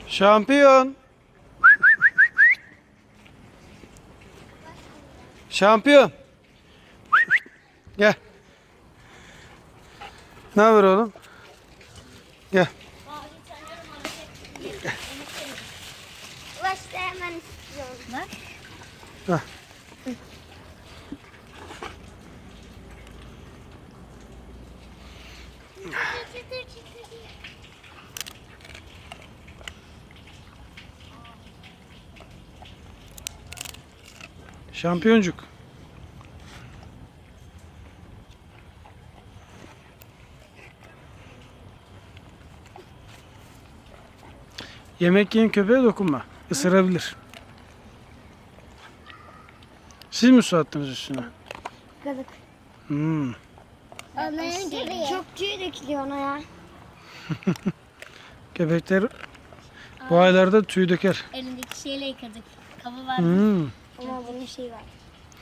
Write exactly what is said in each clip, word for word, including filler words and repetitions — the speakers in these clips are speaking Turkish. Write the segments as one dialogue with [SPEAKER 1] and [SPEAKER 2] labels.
[SPEAKER 1] Şampiyon. Şampiyon. Gel. Ne haber oğlum? Gel.
[SPEAKER 2] Ulaştı hemen istiyorum.
[SPEAKER 1] Hah. Şampiyoncuk. Yemek yiyen köpeğe dokunma. Isırabilir. Siz mi su attınız üstüne?
[SPEAKER 2] Kazık.
[SPEAKER 1] Hmm.
[SPEAKER 2] Onların gibi. Çok tüy dökülüyor ona ya.
[SPEAKER 1] Köpekler bu aylarda tüy döker.
[SPEAKER 3] Elindeki şeyle yıkadık. Kabı vardı.
[SPEAKER 1] Hmm.
[SPEAKER 2] Ama bunun şeyi var.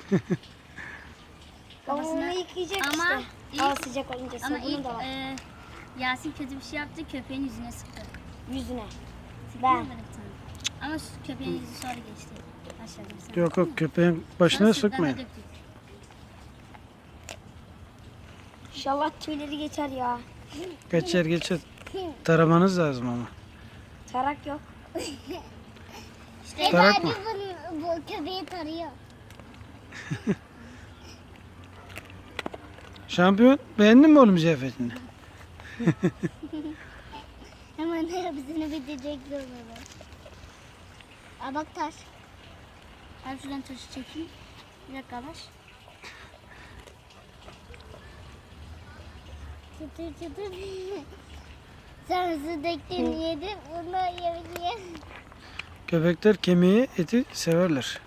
[SPEAKER 2] Ama onu
[SPEAKER 3] Kafasına-
[SPEAKER 2] yıkayacak
[SPEAKER 3] Ama
[SPEAKER 2] işte.
[SPEAKER 3] ilk-
[SPEAKER 2] Hava sıcak olunca
[SPEAKER 3] Ama
[SPEAKER 2] sabunu
[SPEAKER 3] ilk
[SPEAKER 2] da var.
[SPEAKER 3] e, Yasin kötü bir şey yaptı. Köpeğin yüzüne sıktı.
[SPEAKER 2] Yüzüne.
[SPEAKER 3] Sıktı
[SPEAKER 2] Ben.
[SPEAKER 3] mı böyle bir tane? Ama şu köpeğin yüzü sonra geçti. Aşağıda sen.
[SPEAKER 1] Yok yok, köpeğin başına
[SPEAKER 3] Sonra sırtlarına
[SPEAKER 1] sıkmayın.
[SPEAKER 3] döktük.
[SPEAKER 2] İnşallah tüyleri geçer ya.
[SPEAKER 1] Geçer geçer. Taramanız lazım ama.
[SPEAKER 2] Tarak yok.
[SPEAKER 3] İşte
[SPEAKER 1] Tarak mı?
[SPEAKER 2] bu, bu köpeği tarıyor.
[SPEAKER 1] Şampiyon, beğendin mi oğlum ziyafetini?
[SPEAKER 2] Hemen hepsini bitirecek zorunda. Aa bak taş.
[SPEAKER 3] ben şuradan taşı çekeyim. Bir dakika Alaş.
[SPEAKER 2] Çıtır çıtır. Sen su döktün yedin. Bunu yemek
[SPEAKER 1] Köpekler kemiği, eti severler.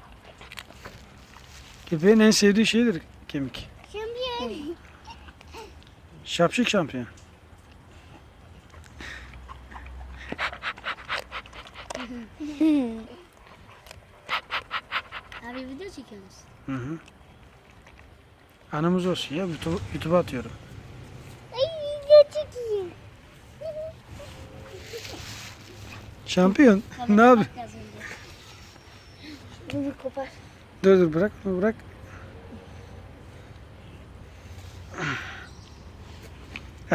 [SPEAKER 1] Köpeğin en sevdiği şeydir kemik.
[SPEAKER 2] Şampiyon.
[SPEAKER 1] Şapşik şampiyon.
[SPEAKER 3] Abi video çekiyoruz.
[SPEAKER 1] Hı hı. Anımız olsun ya, YouTube- YouTube'a atıyorum.
[SPEAKER 2] Ay ne çekeyim.
[SPEAKER 1] Şampiyon, ne
[SPEAKER 3] Babama
[SPEAKER 1] yapıyorsun?
[SPEAKER 3] bak az önce.
[SPEAKER 2] Dur bir kopar.
[SPEAKER 1] Dur dur, bırak bırak. Heh.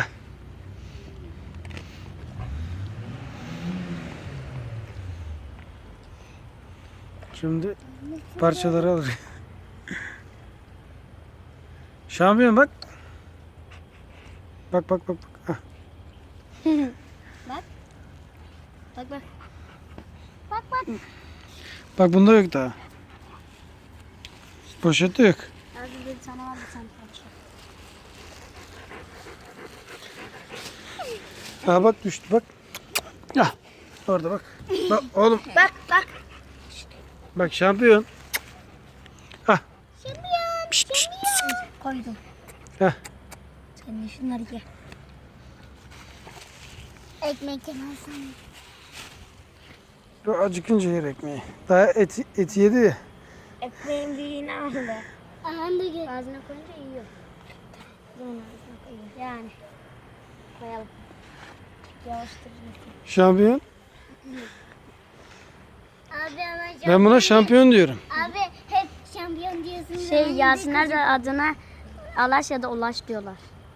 [SPEAKER 1] Şimdi parçaları alır. Şampiyon bak. Bak bak bak. bak. Hah.
[SPEAKER 3] Bak bak.
[SPEAKER 2] Bak bak.
[SPEAKER 1] Bak bunda yok daha. Poşette yok.
[SPEAKER 3] Az önce bir tane vardı sen parça.
[SPEAKER 1] Ha bak düştü bak. Ah. Orada bak. Bak oğlum.
[SPEAKER 2] Bak bak.
[SPEAKER 1] Bak şampiyon. Ah.
[SPEAKER 2] Şampiyon.
[SPEAKER 1] Pişt, pişt.
[SPEAKER 3] Koydum.
[SPEAKER 1] Heh.
[SPEAKER 3] Sen de şunları ye.
[SPEAKER 2] Ekmek yemezsen.
[SPEAKER 1] Bu acıkınca yer ekmeği. Daha eti, eti yedi ya.
[SPEAKER 2] Ekmeğin büyüğünü aldı.
[SPEAKER 3] Aha da gel.
[SPEAKER 2] Ağzına koyunca yiyor. Bunun ağzına koyuyor.
[SPEAKER 3] Yani.
[SPEAKER 2] Koyalım.
[SPEAKER 3] Yavaştır.
[SPEAKER 1] Şampiyon.
[SPEAKER 2] Abi ama
[SPEAKER 1] Ben buna şampiyon diyorum.
[SPEAKER 2] Abi hep şampiyon diyorsun.
[SPEAKER 3] Şey Yasinler de adına Alaş ya da Ulaş diyorlar.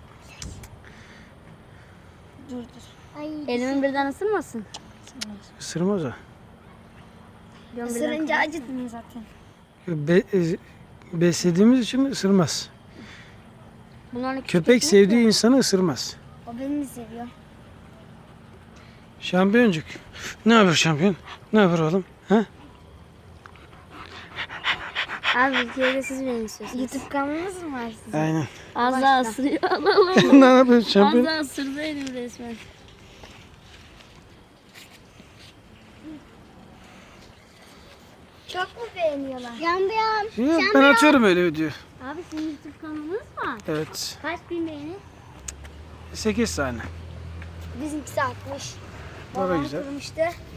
[SPEAKER 2] Dur dur. Ay.
[SPEAKER 3] Elimin birden ısırmasın.
[SPEAKER 1] Isırmaz o.
[SPEAKER 3] Diyorum birden-
[SPEAKER 2] Isırınca acıdın zaten.
[SPEAKER 1] Be, e, beslediğimiz için ısırmaz.
[SPEAKER 3] Bunların
[SPEAKER 1] Köpek sevdiği insanı ısırmaz.
[SPEAKER 2] O beni mi seviyor?
[SPEAKER 1] Şampiyoncuk. Ne haber şampiyon? Ne haber oğlum? Ha?
[SPEAKER 3] Abi bir kere de siz beni istiyorsunuz.
[SPEAKER 2] YouTube kanalınız mı var sizin?
[SPEAKER 1] Aynen.
[SPEAKER 3] Az daha ısırıyor. Allah Allah.
[SPEAKER 1] Ne yapıyorsun
[SPEAKER 3] Az
[SPEAKER 1] şampiyon?
[SPEAKER 3] daha ısırdı elim resmen.
[SPEAKER 2] Çok mu beğeniyorlar? Şampiyon.
[SPEAKER 1] Yok, ben atıyorum öyle video.
[SPEAKER 3] Abi senin YouTube kanalınız var.
[SPEAKER 1] Evet.
[SPEAKER 3] Kaç bin beğeni?
[SPEAKER 1] sekiz tane.
[SPEAKER 2] Bizimkisi altmış.
[SPEAKER 1] O da
[SPEAKER 2] Babam
[SPEAKER 1] güzel.
[SPEAKER 2] kırmıştı.